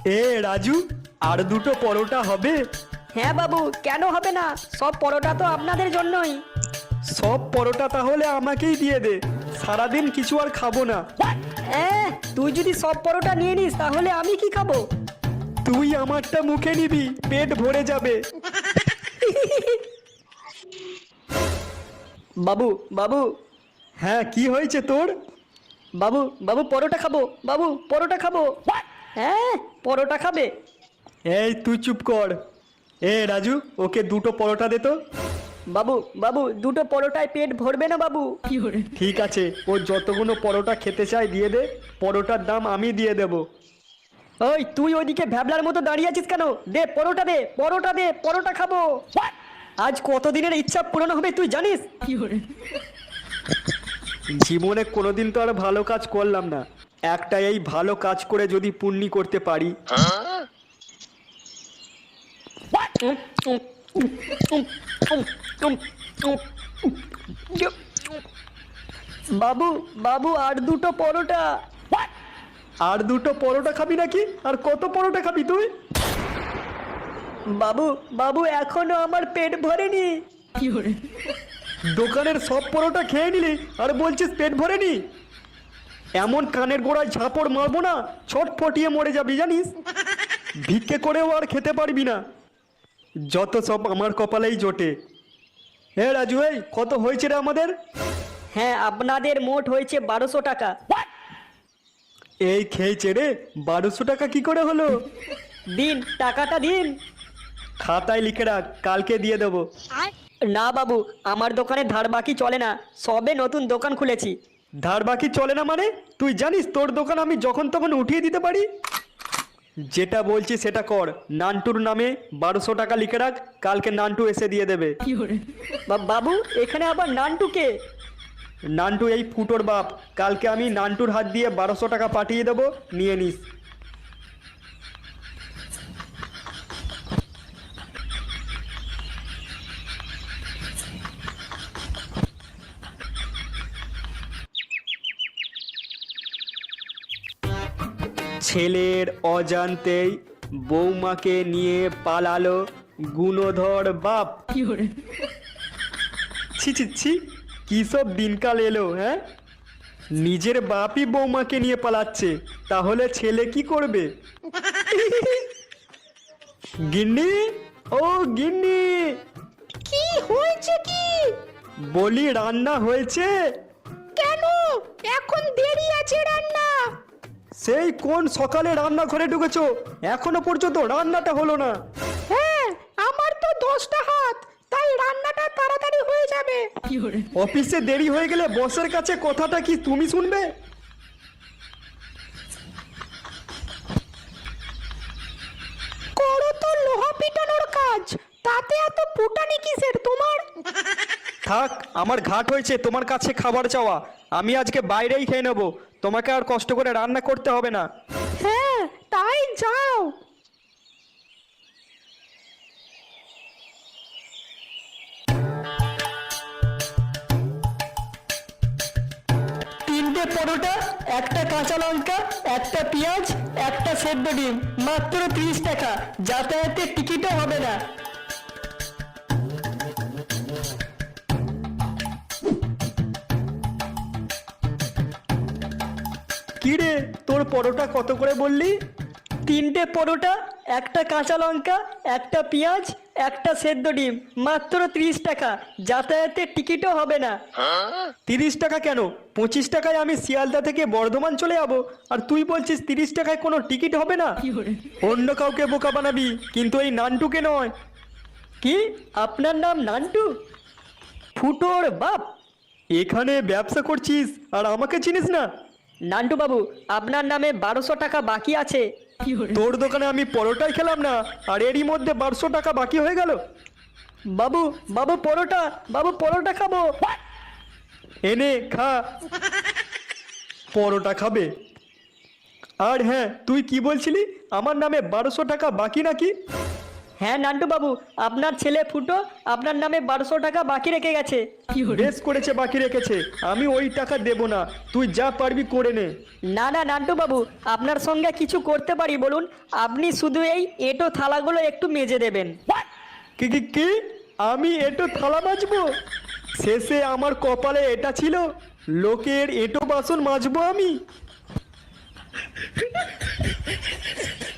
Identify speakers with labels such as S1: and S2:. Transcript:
S1: এ রাজু, আর দুটো পরোটা হবে?
S2: হ্যাঁ বাবু, কেন হবে না? সব পরোটা তো আপনাদের জন্যই।
S1: সব পরোটা তাহলে আমাকেই দিয়ে দে, সারাদিন কিছু আর খাবো না।
S2: তুই যদি সব পরোটা নিয়ে নিস তাহলে আমি কি খাবো?
S1: তুই আমারটা মুখে নিবি, পেট ভরে যাবে।
S2: বাবু বাবু
S1: হ্যাঁ, কি হয়েছে তোর?
S2: বাবু বাবু পরোটা খাবো, বাবু পরোটা খাবো। হ্যাঁ, পরোটা খাবে?
S1: এই তুই চুপ কর। এ রাজু, ওকে দুটো পরোটা দে তো।
S2: বাবু বাবু দুটো পরোটায় পেট ভরবে না বাবু।
S1: ঠিক আছে, ও যতগুলো পরোটা খেতে চায় দিয়ে দে, পরোটার দাম আমি দিয়ে দেব।
S2: ওই তুই ওইদিকে ভ্যাবলার মতো দাঁড়িয়ে আছিস কেন? দে পরোটা, দে পরোটা, দে পরোটা খাবো। আজ কতদিনের ইচ্ছা পূরণ হবে তুই জানিস?
S1: জীবনে কোনোদিন তো আর ভালো কাজ করলাম না, একটা এই ভালো কাজ করে যদি পুণ্যি করতে পারি।
S2: বাবু বাবু আর দুটো পরোটা।
S1: আর দুটো পরোটা খাবি নাকি? আর কত পরোটা খাবি তুই?
S2: বাবু বাবু এখনো আমার পেট ভরেনি।
S1: দোকানের সব পরোটা খেয়ে নিলি আর বলছিস পেট ভরেনি? এমন কানের গোড়ায় ঝাঁপড় মারবো না, ছটফটিয়ে মরে যাবি জানিস। ভিক্ষে করেও আর খেতে পারবি না। যত সব আমার কপালেই জোটে। হে রাজু, এই কত হয়েছে রে আমাদের?
S2: হ্যাঁ, আপনাদের মোট হয়েছে 1200 টাকা।
S1: এই খেয়েছে রে, 1200 টাকা কি করে হলো?
S2: দিন টাকাটা দিন।
S1: খাতায় লিখে রাখ, কালকে দিয়ে দেবো।
S2: না বাবু, আমার দোকানে ধার বাকি চলে না, সবে নতুন দোকান খুলেছি।
S1: ধার বাকি চলে না মানে? তুই জানিস তোর দোকান আমি যখন তখন উঠিয়ে দিতে পারি। যেটা বলছি সেটা কর। নান্টুর নামে 1200 টাকা লিখে রাখ, কালকে নান্টু এসে দিয়ে দেবে।
S2: বাবু এখানে আবার নানটুকে?
S1: নান্টু এই ফুটোর বাপ। কালকে আমি নান্টুর হাত দিয়ে 1200 টাকা পাঠিয়ে দেবো, নিয়ে নিস। ছেলের অজান্তেই বৌমাকে নিয়ে পালালো গুণধর বাপ। ছি ছি ছি, কি সব দিনকাল এলো, হ্যাঁ? নিজের বাপই বৌমাকে নিয়ে পালাচ্ছে, তাহলে ছেলে কি করবে? গিন্নি, ও গিন্নি।
S2: কি হয়েছে কি?
S1: বলি রান্না হয়েছে?
S2: কেন এখন দেরি আছে রান্না?
S1: সেই কোন সকালে রান্নাঘরে ঢুকেছো, এখনো পর্যন্ত রান্নাটা হলো না।
S2: হ্যাঁ, আমার তো 10টা হাত, তাই রান্নাটা তাড়াতাড়ি হয়ে যাবে।
S1: অফিসে দেরি হয়ে গেলে বসের কাছে কথাটা কি তুমি শুনবে?
S2: করো তো লোহা পিটানোর কাজ, তাতে এত ফুটানি কিসের তোমার?
S1: থাক, আমার ঘাট হয়েছে তোমার কাছে খাবার চাওয়া। আমি আজকে বাইরেই খেয়ে নেবো, তোমাকে আর কষ্ট করে রান্না করতে হবে না।
S2: হ্যাঁ, তাই যাও।
S1: তিনটে পরোটা, একটা কাঁচা লঙ্কা, একটা পেঁয়াজ, একটা সেদ্ধ ডিম, মাত্র 30 টাকা। যাতায়াতের টিকিটও হবে না। কি রে, তোর পরোটা কত করে বললি?
S2: তিনটে পরোটা, একটা কাঁচা লঙ্কা, একটা পেঁয়াজ, একটা সেদ্ধ ডিম, মাত্র 30 টাকা। যাতায়াতের টিকিটও হবে না।
S1: 30 টাকা কেন? 25 টাকায় আমি শিয়ালদা থেকে বর্ধমান চলে যাবো, আর তুই বলছিস 30 টাকায় কোনো টিকিট হবে না? অন্য কাউকে বোকা বানাবি, কিন্তু এই নান্টুকে নয়।
S2: কি, আপনার নাম নান্টু? ফুটোর বাপ?
S1: এখানে ব্যবসা করছিস আর আমাকে চিনিস না?
S2: নান্টু বাবু, আপনার নামে 1200 টাকা বাকি আছে।
S1: তোর দোকানে আমি পরোটাই খেলাম না, আর এরই মধ্যে 1200 টাকা বাকি হয়ে গেল।
S2: বাবু বাবু পরোটা, বাবু পরোটা খাবো।
S1: এনে খা। পরোটা খাবে? আর হ্যাঁ, তুই কি বলছিলি আমার নামে 1200 টাকা বাকি নাকি?
S2: হ্যাঁ নান্টু বাবু, আপনার ছেলে ফুটো আপনার নামে 1200 টাকা বাকি রেখে গেছে।
S1: বেশ করেছে, বাকি রেখেছে। আমি ওই টাকা দেব না, তুই যা পারবি করে নে।
S2: না না নান্টু বাবু, আপনার সঙ্গে কিছু করতে পারি বলুন? আপনি শুধু এই এঁটো থালাগুলো একটু মেজে দেবেন।
S1: কি কি কি? আমি এঁটো থালা মাজবো? শেষে আমার কপালে এটা ছিল, লোকের এঁটো বাসন মাজবো আমি?